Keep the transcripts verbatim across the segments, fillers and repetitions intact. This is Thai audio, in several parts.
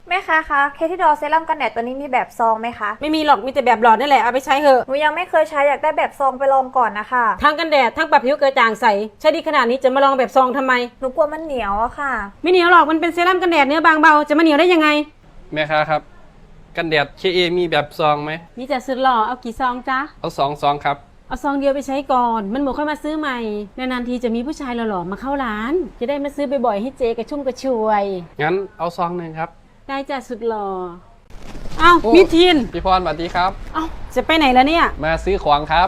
แม่ค้าคะเคที่ดอเซรั่มกันแดดตัวนี้มีแบบซองไหมคะไม่มีหรอกมีแต่แบบหลอดนี่แหละเอาไปใช้เถอะหนูยังไม่เคยใช้อยากได้แบบซองไปลองก่อนนะคะทั้งกันแดดทั้งปรับผิวกระจ่างใสใช้ดีขนาดนี้จะมาลองแบบซองทำไมหนูกลัวมันเหนียวอะค่ะไม่เหนียวหรอกมันเป็นเซรั่มกันแดดเนื้อบางเบาจะมาเหนียวได้ยังไงแม่ค้าครับกันแดดเคเอมีแบบซองไหมมีแต่สุดหล่อเอากี่ซองจ๊ะเอาสองซองครับเอาซองเดียวไปใช้ก่อนมันหมดค่อยมาซื้อใหม่นานๆทีจะมีผู้ชายหล่อๆมาเข้าร้านจะได้มาซื้อบ่อยๆให้เจกระชุ่มกระชวยงั้นเอาซองหนึ่งครับได้จ้ะสุดหล่อเอ้ามิทีนพี่พรสวัสดีครับเอ้าจะไปไหนแล้วเนี่ยมาซื้อของครับ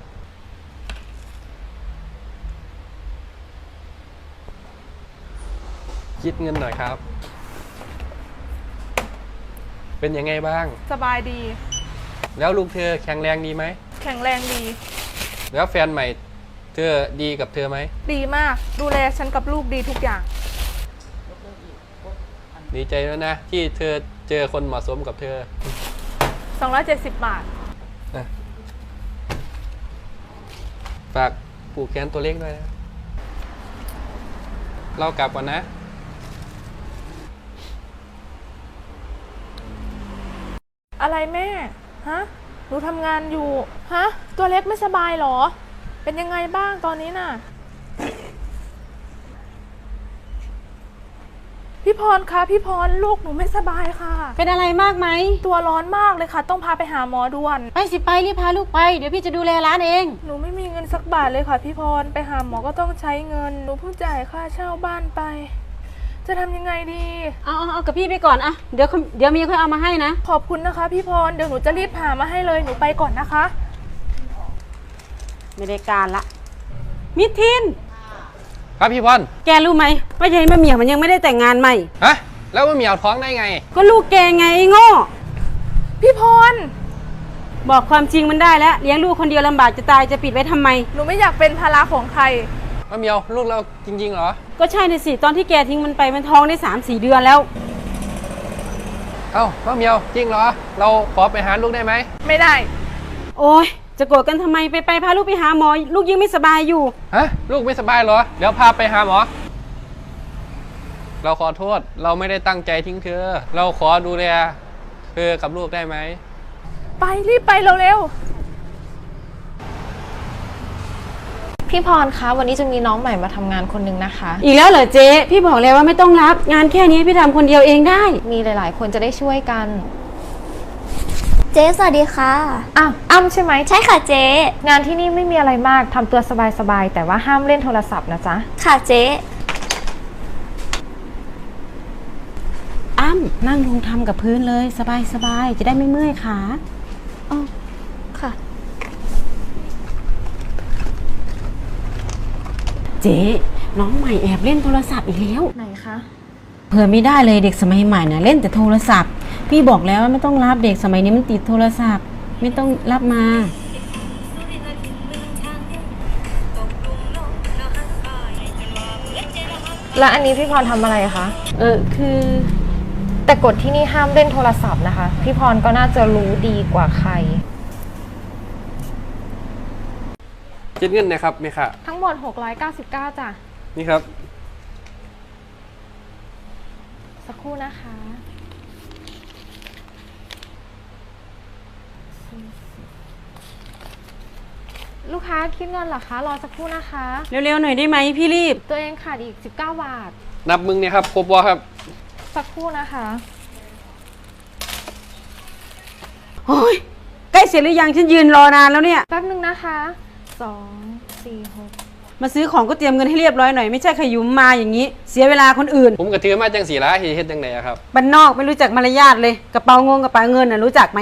คิดเงินหน่อยครับเป็นยังไงบ้างสบายดีแล้วลูกเธอแข็งแรงดีไหมแข็งแรงดีแล้วแฟนใหม่เธอดีกับเธอไหมดีมากดูแลฉันกับลูกดีทุกอย่างดีใจแล้วนะที่เธอเจอคนเหมาะสมกับเธอสองร้อยเจ็ดสิบบาทฝากผูกแขนตัวเล็กด้วยนะเรากลับก่อนนะอะไรแม่ฮะหนูทำงานอยู่ฮะตัวเล็กไม่สบายหรอเป็นยังไงบ้างตอนนี้น่ะพี่พรคะพี่พรลูกหนูไม่สบายค่ะเป็นอะไรมากไหมตัวร้อนมากเลยค่ะต้องพาไปหาหมอด่วนไปสิไปรีบพาลูกไปเดี๋ยวพี่จะดูแลร้านเองหนูไม่มีเงินสักบาทเลยค่ะพี่พรไปหาหมอก็ต้องใช้เงินหนูเพิ่งจ่ายค่าเช่าบ้านไปจะทำยังไงดีเอาเอาเอากับพี่ไปก่อนอะเดี๋ยวเดี๋ยวมีค่อยเอามาให้นะขอบคุณนะคะพี่พรเดี๋ยวหนูจะรีบหามาให้เลยหนูไปก่อนนะคะไม่ได้การละมิทินครับพี่พรแกรู้ไหมว่ายายมะเหมี่ยวมันยังไม่ได้แต่งงานใหม่ฮะแล้วมะเหมี่ยวท้องได้ไงก็ลูกแกไงไอ้โง่พี่พรบอกความจริงมันได้แล้วเลี้ยงลูกคนเดียวลำบากจะตายจะปิดไว้ทำไมหนูไม่อยากเป็นภาระของใครมะเหมี่ยวลูกเราจริงๆเหรอก็ใช่ในสิตอนที่แกทิ้งมันไปมันท้องได้สามสี่เดือนแล้วเอ้ามะเหมี่ยวจริงเหรอเราขอไปหาลูกได้ไหมไม่ได้โอ๊ยจะโกรธกันทำไมไปไปพาลูกไปหาหมอลูกยังไม่สบายอยู่ฮะลูกไม่สบายเหรอเดี๋ยวพาไปหาหมอเราขอโทษเราไม่ได้ตั้งใจทิ้งเธอเราขอดูแลเธอกับลูกได้ไหมไปรีบไปเร็วๆพี่พรคะวันนี้จะมีน้องใหม่มาทำงานคนนึงนะคะอีกแล้วเหรอเจ๊พี่บอกแล้วว่าไม่ต้องรับงานแค่นี้พี่ทำคนเดียวเองได้มีหลายๆคนจะได้ช่วยกันเจ๊สวัสดีค่ะอ้าวอ้ำใช่ไหมใช่ค่ะเจ๊งานที่นี่ไม่มีอะไรมากทำตัวสบายๆแต่ว่าห้ามเล่นโทรศัพท์นะจ๊ะค่ะเจ๊อ้ำนั่งลงทำกับพื้นเลยสบายๆจะได้ไม่เมื่อยขาอ๋อค่ะเจ๊น้องใหม่แอบเล่นโทรศัพท์อีกแล้วไหนคะเผื่อไม่ได้เลยเด็กสมัยใหม่นะเล่นแต่โทรศัพท์พี่บอกแล้วว่าไม่ต้องรับเด็กสมัยนี้มันติดโทรศัพท์ไม่ต้องรับมาแล้วอันนี้พี่พรทำอะไรคะเออคือแต่กฎที่นี่ห้ามเล่นโทรศัพท์นะคะพี่พรก็น่าจะรู้ดีกว่าใครคิดเงินนะครับมีค่ะทั้งหมดหกร้อยเก้าสิบเก้าจ้ะนี่ครับสักครู่นะคะลูกค้าคิดเงินเหรอคะรอสักครู่นะคะเร็วๆหน่อยได้ไหมพี่รีบตัวเองขาดอีกสิบเก้าบาทนับมึงเนี่ยครับครบวะครับสักครู่นะคะโอ้ยใกล้เสร็จหรือยังฉันยืนรอนานแล้วเนี่ยแป๊บนึงนะคะสองสี่หกมาซื้อของก็เตรียมเงินให้เรียบร้อยหน่อยไม่ใช่ขยุมมาอย่างนี้เสียเวลาคนอื่นผมกระถือมาจังสีละเฮ็ดจังไหนครับบ้านนอกไม่รู้จักมารยาทเลยกระเป๋างงกระเป๋าเงินน่ะรู้จักไหม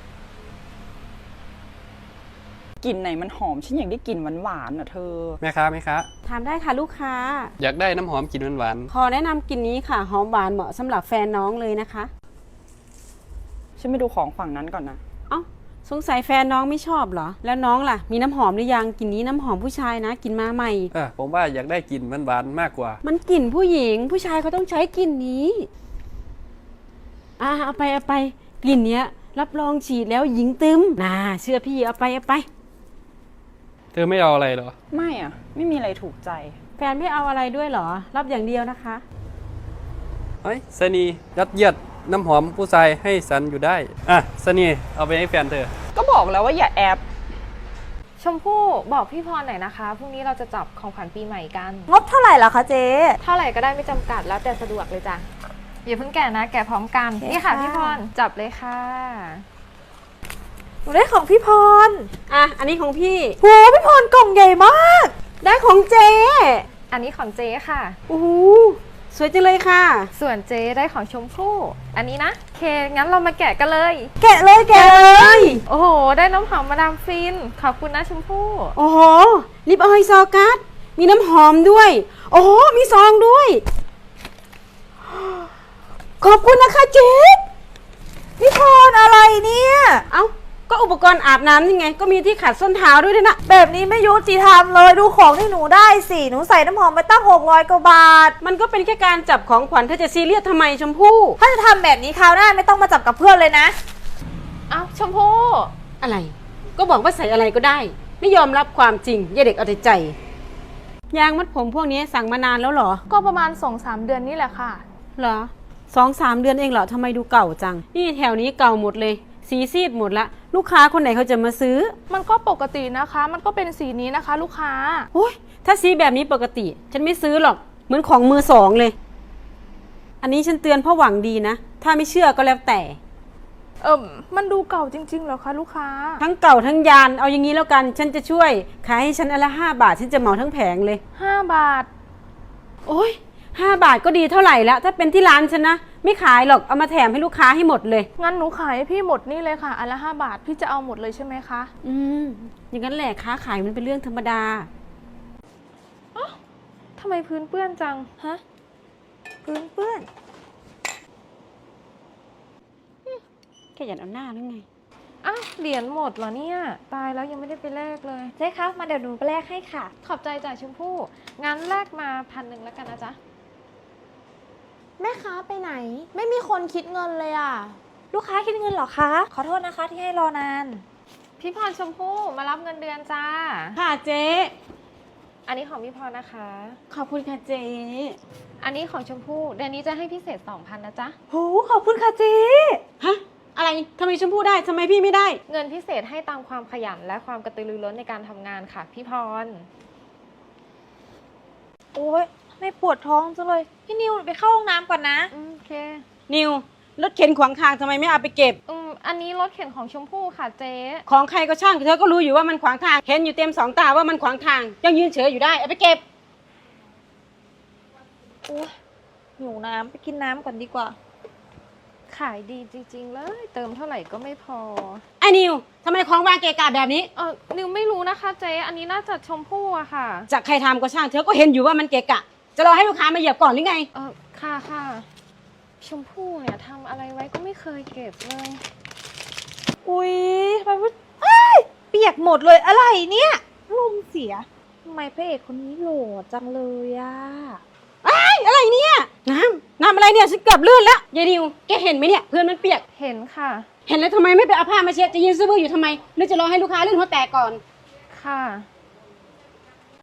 กลิ่นไหนมันหอมฉันอยากได้กลิ่นหวานๆอ่ะเธอแม่ค้าแม่ค้าถามได้ค่ะลูกค้าอยากได้น้ำหอมกลิ่นหวานขอแนะนำกลิ่นนี้ค่ะหอมหวานเหมาะสำหรับแฟนน้องเลยนะคะฉันไปดูของฝั่งนั้นก่อนนะเอ้าสงสัยแฟนน้องไม่ชอบเหรอแล้วน้องล่ะมีน้ำหอมหรือยังกลิ่นนี้น้ำหอมผู้ชายนะกลิ่นมาใหม่เออผมว่าอยากได้กลิ่นหวานๆมากกว่ามันกลิ่นผู้หญิงผู้ชายเขาต้องใช้กลิ่นนี้อ่าเอาไปเอาไปกลิ่นเนี้ยรับรองฉีดแล้วหญิงตึมน่าเชื่อพี่เอาไปเอาไปเธอไม่เอาอะไรเหรอไม่อ่ะไม่มีอะไรถูกใจแฟนไม่เอาอะไรด้วยเหรอรับอย่างเดียวนะคะเฮ้ยสนียัดเยียดน้ำหอมผู้ชายให้ฉันอยู่ได้ อ่ะสนีเอาไปให้แฟนเธอก็บอกแล้วว่าอย่าแอบชมพู่บอกพี่พรหน่อยนะคะพรุ่งนี้เราจะจับของขวัญปีใหม่กันงบเท่าไหร่ล่ะคะเจ๊เท่าไหร่ก็ได้ไม่จำกัดแล้วแต่สะดวกเลยจ้ะอย่าเพิ่งแกะนะแกะพร้อมกันโอเคนี่ค่ะค่ะพี่พรจับเลยค่ะหนูได้ของพี่พรอ่ะ อันนี้ของพี่โหพี่พรกล่องใหญ่มากได้ของเจ๊อันนี้ของเจ๊ค่ะโอ้โหสวยจังเลยค่ะส่วนเจ๊ได้ของชมพู่อันนี้นะโอเคงั้นเรามาแกะกันเลยแกะเลยแกะเลยโอ้โหได้น้ำหอมมาดามฟินขอบคุณนะชมพู่โอ้โห ลิปออยล์ซอกัส มีน้ำหอมด้วย โอ้โห มีซองด้วย ขอบคุณนะคะเจ๊พี่พรอะไรเนี่ยเอ้า ก็อุปกรณ์อาบน้ำนี่ไง ก็มีที่ขัดส้นเท้าด้วยด้วยนะแบบนี้ไม่ยุติธรรมเลยดูของที่หนูได้สิหนูใส่น้ำหอมไปตั้งหกร้อยกว่าบาทมันก็เป็นแค่การจับของขวัญเธอจะซีเรียสทำไมชมพู่ถ้าจะทำแบบนี้คราวหน้าไม่ต้องมาจับกับเพื่อนเลยนะอ้าวชมพู่อะไร ก็บอกว่าใส่อะไรก็ได้ ไม่ยอมรับความจริงอย่าเด็กเอาแต่ใจ ยางมัดผมพวกนี้สั่งมานานแล้วเหรอก็ประมาณสองสามเดือนนี่แหละค่ะเหรอสองสามเดือนเองเหรอทำไมดูเก่าจัง นี่แถวนี้เก่าหมดเลย สีซีดหมดละ ลูกค้าคนไหนเขาจะมาซื้อมันก็ปกตินะคะ มันก็เป็นสีนี้นะคะ ลูกค้าโอ้ยถ้าสีแบบนี้ปกติ ฉันไม่ซื้อหรอก เหมือนของมือสองเลย อันนี้ฉันเตือนเพราะหวังดีนะ ถ้าไม่เชื่อก็แล้วแต่เอิมมันดูเก่าจริงๆเหรอคะลูกค้าทั้งเก่าทั้งยาน เอาอย่างนี้แล้วกัน ฉันจะช่วย ขายให้ฉันอนละห้าบาท ฉันจะเหมาทั้งแผงเลยห้าบาทโอ้ยห้าบาทก็ดีเท่าไหร่ละถ้าเป็นที่ร้านฉันนะ ไม่ขายหรอก เอามาแถมให้ลูกค้าให้หมดเลยงั้นหนูขายให้พี่หมดนี่เลยค่ะ อันละห้าบาท พี่จะเอาหมดเลยใช่ไหมคะอืม อย่างนั้นแหละค้าขายมันเป็นเรื่องธรรมดาทำไมพื้นเปื้อนจังฮะพื้นเปื้อนแค่อยากเอาหน้าหรือไงอ้าวเหรียญหมดเหรอเนี่ยตายแล้วยังไม่ได้ไปแลกเลยเจ๊คะมาเดี๋ยวหนูไปแลกให้ค่ะขอบใจจ่ายชมพู่งั้นแลกมาพันหนึ่งแล้วกันนะจ๊ะแม่ค้าไปไหน ไม่มีคนคิดเงินเลยอ่ะ ลูกค้าคิดเงินเหรอคะ ขอโทษนะคะที่ให้รอนานพี่พรชมพู่มารับเงินเดือนจ้าค่ะเจ๊อันนี้ของพี่พรนะคะขอบคุณค่ะเจ๊อันนี้ของชมพู่เดือนนี้จะให้พิเศษสองพันนะจ๊ะโหขอบคุณค่ะเจ๊ฮะ อะไรทำไมชมพู่ได้ทำไมพี่ไม่ได้เงินพิเศษให้ตามความขยันและความกระตือรือร้นในการทำงานค่ะ พี่พรโอ้ยไม่ปวดท้องจังเลย พี่นิวไปเข้าห้องน้ำก่อนนะอืมโอเคนิว รถเข็นขวางทางทำไมไม่เอาไปเก็บอืมอันนี้รถเข็นของชมพู่ค่ะเจ๊ของใครก็ช่างเธอก็รู้อยู่ว่ามันขวางทาง เห็นอยู่เต็มสองตาว่ามันขวางทาง ยังยืนเฉยอยู่ได้ เอาไปเก็บโอ้ยหิวน้ำไปกินน้ำก่อนดีกว่าขายดีจริงๆเลย เติมเท่าไหร่ก็ไม่พอไอ้นิวทำไมของวางเกะกะแบบนี้เออนิวไม่รู้นะคะเจ๊อันนี้น่าจะชมพู่อะค่ะจากใครทำก็ช่างเธอก็เห็นอยู่ว่ามันเกะกะ จะรอให้ลูกค้ามาเหยียบก่อนหรือไงเออค่ะค่ะชมพู่เนี่ยทำอะไรไว้ก็ไม่เคยเก็บเลยอุ้ยทำไมมันเอ้ยเปียกหมดเลยอะไรเนี่ยลมเสียทำไมพระเอกคนนี้โหล่จังเลยอะไอ้ยอะไรเนี่ย น้ำน้ำอะไรเนี่ยฉันเกือบลื่นแล้วยายนิวแกเห็นไหมเนี่ยเพื่อนมันเปียกเห็นค่ะเห็นแล้วทำไมไม่ไปเอาผ้ามาเช็ดจะยืนซื้อบื้ออยู่ทำไมหรือจะรอให้ลูกค้าลื่นหัวแตกก่อนค่ะ